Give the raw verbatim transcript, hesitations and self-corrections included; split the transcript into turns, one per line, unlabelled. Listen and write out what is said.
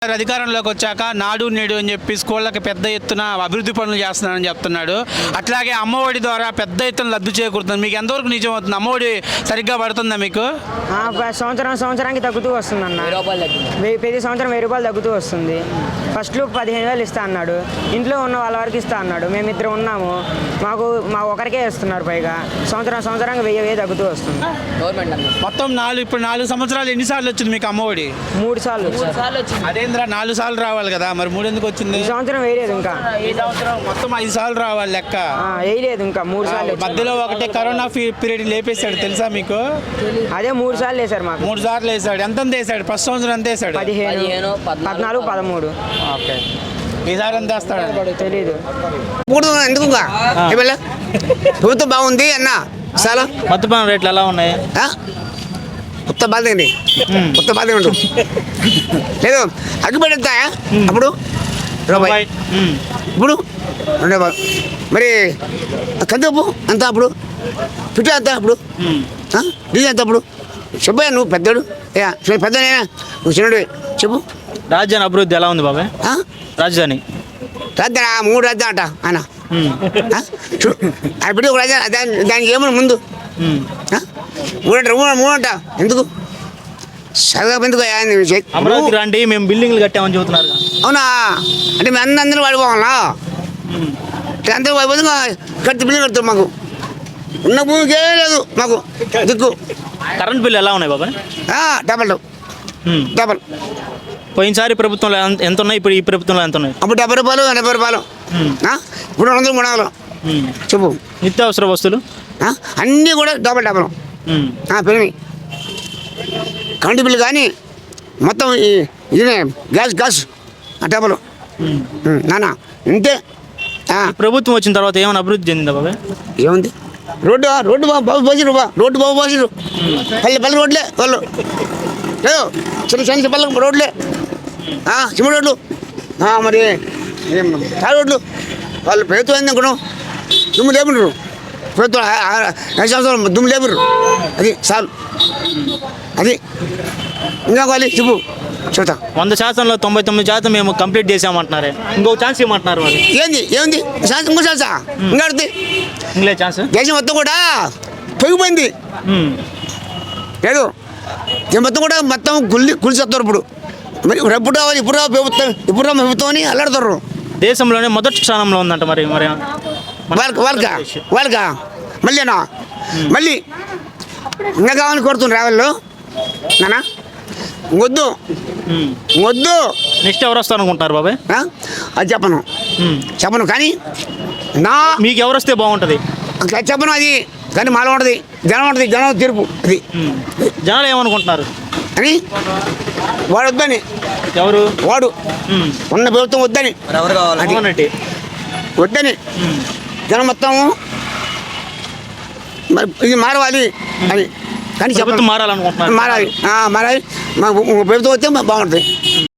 అధికారంలోకి వచ్చాక నాడు నేడు అని చెప్పి స్కూళ్ళకి పెద్ద ఎత్తున అభివృద్ధి పనులు చేస్తున్నానని చెప్తున్నాడు. అట్లాగే అమ్మఒడి ద్వారా పెద్ద ఎత్తున లబ్ధి చేకూరుతుంది. మీకు ఎంతవరకు నిజం అవుతుంది? అమ్మఒడి సరిగ్గా పడుతుందా మీకు?
సంవత్సరం సంవత్సరానికి తగ్గుతూ వస్తుంది అన్న. వెయ్యి ప్రతి సంవత్సరం వెయ్యి రూపాయలు తగ్గుతూ వస్తుంది. ఫస్ట్లో పదిహేను వేలు ఇస్తా అన్నాడు. ఇంట్లో ఉన్న వాళ్ళ వరకు ఇస్తా అన్నాడు. మేమిద్దరం ఉన్నాము, మాకు మా ఒకరికే ఇస్తున్నారు. పైగా సంవత్సరం సంవత్సరానికి వెయ్యి వెయ్యి తగ్గుతూ వస్తుంది.
మొత్తం నాలుగు ఇప్పుడు నాలుగు సంవత్సరాలు ఎన్నిసార్లు వచ్చింది మీకు అమ్మఒడి?
మూడు సార్లు
అదేంద్ర నాలుగు సార్లు రావాలి కదా, మరి మూడు ఎందుకు వచ్చింది?
ఈ సంవత్సరం వేయలేదు ఇంకా.
ఈ సంవత్సరం మొత్తం ఐదు సార్లు రావాలి లెక్క.
వేయలేదు ఇంకా, మూడు సార్లు.
మధ్యలో ఒకటే కరోనా పీరియడ్ లేపేశాడు తెలుసా మీకు?
అదే మూడు సార్లు వేసారు మాకు.
మూడు సార్లు వేసాడు. ఎంత వేసాడు? ఫస్ట్ సంవత్సరం ఎంత వేసాడు?
పదిహేను, పద్నాలుగు, పదమూడు.
ఓకే, ఈసారి ఎంత వేస్తాడు
తెలీదు.
ఎందుకు ప్రభుత్వం బాగుంది అన్న. చాలా
మద్యపాన రేట్లు ఎలా ఉన్నాయి?
కొత్త బాధ అండి, కొత్త బాధ ఉండు లేదు. అగ్గిపెట్టా అప్పుడు రూపాయి, ఇప్పుడు రెండే బాధ. మరి కందిపప్పు అంతా అప్పుడు, పిట్టు అంతా అప్పుడు, డీజిల్ అంతా అప్పుడు. చెప్పా నువ్వు పెద్దడు, పెద్దనేనా నువ్వు చిన్నడు, చెప్పు.
రాజధాని అభివృద్ధి ఎలా ఉంది బాబాయ్? రాజధాని
రాజధాని మూడు రాజధాని అంట ఆయన ఇప్పుడు ఒక రాజధాని. దాని దానికి ఏమన్నా ముందు మూడంట మూడంట ఎందుకు చదువు ఎందుకు?
అమరావతి రండి, మేము బిల్డింగ్లు కట్టామని చెబుతున్నారు.
అవునా? అంటే మేము అన్ని అందరూ వాడిపోవాలా? అందరూ వాడిపోతే కట్టి బిల్డింగ్ కడతారు. మాకు ఉన్న భూమికి ఏమీ లేదు మాకు దిక్కు.
కరెంట్ బిల్లు ఎలా ఉన్నాయి బాబాయ్?
Double double.
పోయినసారి ప్రభుత్వంలో ఎంత ఉన్నాయి, ఇప్పుడు ఈ ప్రభుత్వంలో ఎంత ఉన్నాయి?
అప్పుడు డెబ్బై రూపాయలు డెబ్బై రూపాయలు ఇప్పుడు రెండు వందలు మూడు వందలు. చెప్పు.
నిత్యావసర వస్తువులు
అన్నీ కూడా డబల్ డబల్ పెరిగినాయి. కరెంటు బిల్లు కానీ మొత్తం ఇదే గ్యాస్ గ్యాస్ డబల్ నాన్న ఇంతే.
ప్రభుత్వం వచ్చిన తర్వాత ఏమైనా అభివృద్ధి చెందిందా బాబాయ్?
ఏముంది? రోడ్డు రోడ్డు బాబు బాబు పోసిరు బా రోడ్డు బాబు పోసిరు. పల్లె పల్లె రోడ్లే వాళ్ళు లేదు, చిన్న చిన్న పల్లె రోడ్లే, సిమెంట్ రోడ్లు. మరి తాడు రోడ్లు వాళ్ళు ప్రభుత్వం ఏంది అనుకున్నాం. దుమ్ము లేపుండ్రు ప్రభుత్వం, ఐదు సంవత్సరాలు దుమ్ము లేపుర్రు. అది చాలు. అది ఇంకా కావాలి చెప్పు, చూద్దాం.
వంద శాతంలో తొంభై తొమ్మిది శాతం మేము కంప్లీట్ చేసామంటున్నారే, ఇంకో ఛాన్స్ ఇవ్వమంటున్నారు వాళ్ళు.
ఏంది ఏముంది ఛాన్స్? ఇంకో ఛాన్సా? ఇంకా అడుగుతుంది
ఇంకలే ఛాన్స్.
దేశం మొత్తం కూడా పెరిగిపోయింది లేదు. దేశం మొత్తం కూడా మొత్తం గుల్లి గులిసేస్తారు ఇప్పుడు. మరి ఎప్పుడు రావాలి, ఇప్పుడు రావు ప్రభుత్వం, ఇప్పుడు రా ప్రభుత్వం అని అల్లాడుతారు.
దేశంలోనే మొదటి స్థానంలో ఉందంట. మరి మరి
వాళ్ళకి వాళ్ళకా వాళ్ళకా మళ్ళీనా మళ్ళీ ఇంకా కావాలని కోరుతున్నారు రావాళ్ళు నానా. వద్దు వద్దు.
నెక్స్ట్ ఎవరు వస్తారు అనుకుంటున్నారు బాబాయ్?
అది చెప్పను చెప్పను కానీ నా
మీకు ఎవరు వస్తే బాగుంటుంది
చెప్పను. అది కానీ మాలో ఉంటుంది, జనం ఉంటుంది, జనం తీర్పు. అది
జనాలు ఏమనుకుంటున్నారు
అని వాడు వద్దని.
ఎవరు
వాడు? ఉన్న ప్రభుత్వం వద్దని వద్దని జనం మొత్తం మరి ఇది మారవాలి అని. కానీ
ప్రభుత్వం మారాలనుకుంటున్నారు.
మారాలి మారాలి. మా ప్రభుత్వం వస్తే బాగుంటుంది.